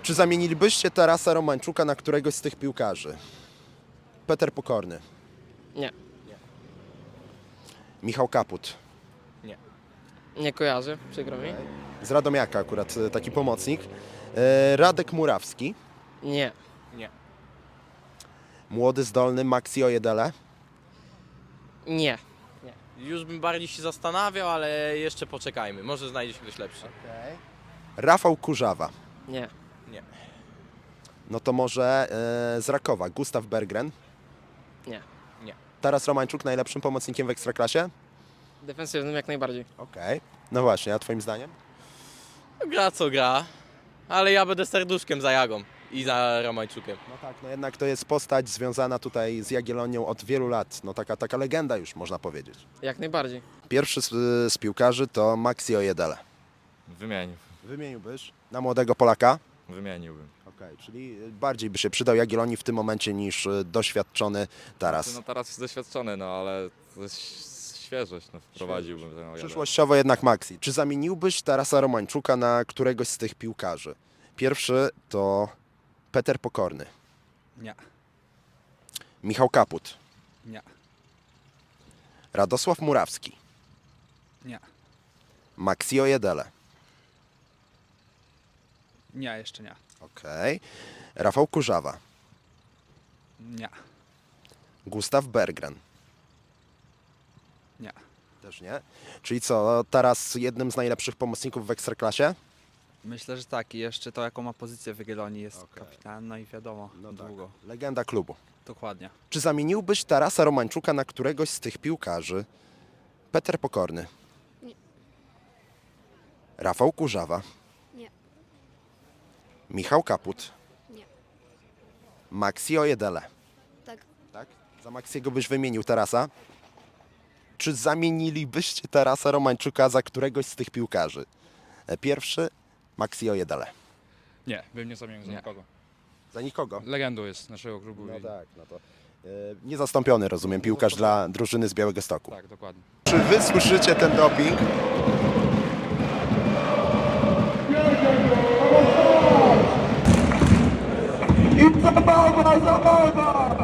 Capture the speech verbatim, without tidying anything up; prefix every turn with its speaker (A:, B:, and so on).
A: Czy zamienilibyście Tarasa Romańczuka na któregoś z tych piłkarzy? Peter Pokorny.
B: Nie.
A: Michał Kaput.
B: Nie kojarzę, przykro mi.
A: Z Radomiaka akurat e, taki pomocnik. E, Radek Murawski.
B: Nie.
A: Młody, zdolny Maxi Ojedele.
B: Nie.
C: Już bym bardziej się zastanawiał, ale jeszcze poczekajmy. Może znajdzie się ktoś lepszy.
A: Rafał Kurzawa.
B: Nie.
C: Nie.
A: No to może e, z Rakowa Gustaw Berggren.
B: Nie.
A: Taras Romańczuk najlepszym pomocnikiem w Ekstraklasie?
B: Defensywnym jak najbardziej.
A: Okej. No właśnie, a twoim zdaniem?
C: Gra co gra, ale ja będę serduszkiem za Jagą i za Romańczukiem.
A: No tak, no jednak to jest postać związana tutaj z Jagiellonią od wielu lat. No taka, taka legenda już można powiedzieć.
B: Jak najbardziej.
A: Pierwszy z, z piłkarzy to Maxi Ojedele.
D: Wymienił.
A: Wymieniłbyś na młodego Polaka?
D: Wymieniłbym.
A: Okej, czyli bardziej by się przydał Jagiellonii w tym momencie niż y, doświadczony Taras.
D: No teraz jest doświadczony, no ale to jest świeżość, no wprowadziłbym ten Ojadę.
A: Przyszłościowo jednak Maxi. Czy zamieniłbyś Tarasa Romańczuka na któregoś z tych piłkarzy? Pierwszy to Peter Pokorny.
E: Nie.
A: Michał Kaput.
E: Nie.
A: Radosław Murawski.
E: Nie.
A: Maxi Ojedele.
E: Nie, jeszcze nie.
A: Okej. Rafał Kurzawa.
E: Nie.
A: Gustav Berggren.
E: Nie.
A: Też nie. Czyli co, teraz jednym z najlepszych pomocników w Ekstraklasie?
E: Myślę, że tak. I jeszcze to, jaką ma pozycję w Jagiellonii, jest
A: Okej.
E: kapitan, no i wiadomo, długo.
A: Legenda klubu.
E: Dokładnie.
A: Czy zamieniłbyś Tarasa Romańczuka na któregoś z tych piłkarzy? Peter Pokorny.
F: Nie.
A: Rafał Kurzawa.
F: Nie.
A: Michał Kaput.
F: Nie.
A: Maxi Ojedele.
F: Tak.
A: Tak? Za Maxiego byś wymienił Tarasa? Czy zamienilibyście Tarasa Romańczuka za któregoś z tych piłkarzy? E, Pierwszy Maxi Ojedele.
G: Nie, bym nie zamienił za
D: Nie.
G: nikogo.
A: Za nikogo?
G: Legendą jest naszego klubu.
A: No
G: i...
A: tak, no to e, niezastąpiony, rozumiem, piłkarz dla drużyny z Białegostoku.
G: Tak, dokładnie.
A: Czy wy słyszycie ten doping?
H: I zabawa, zabawa!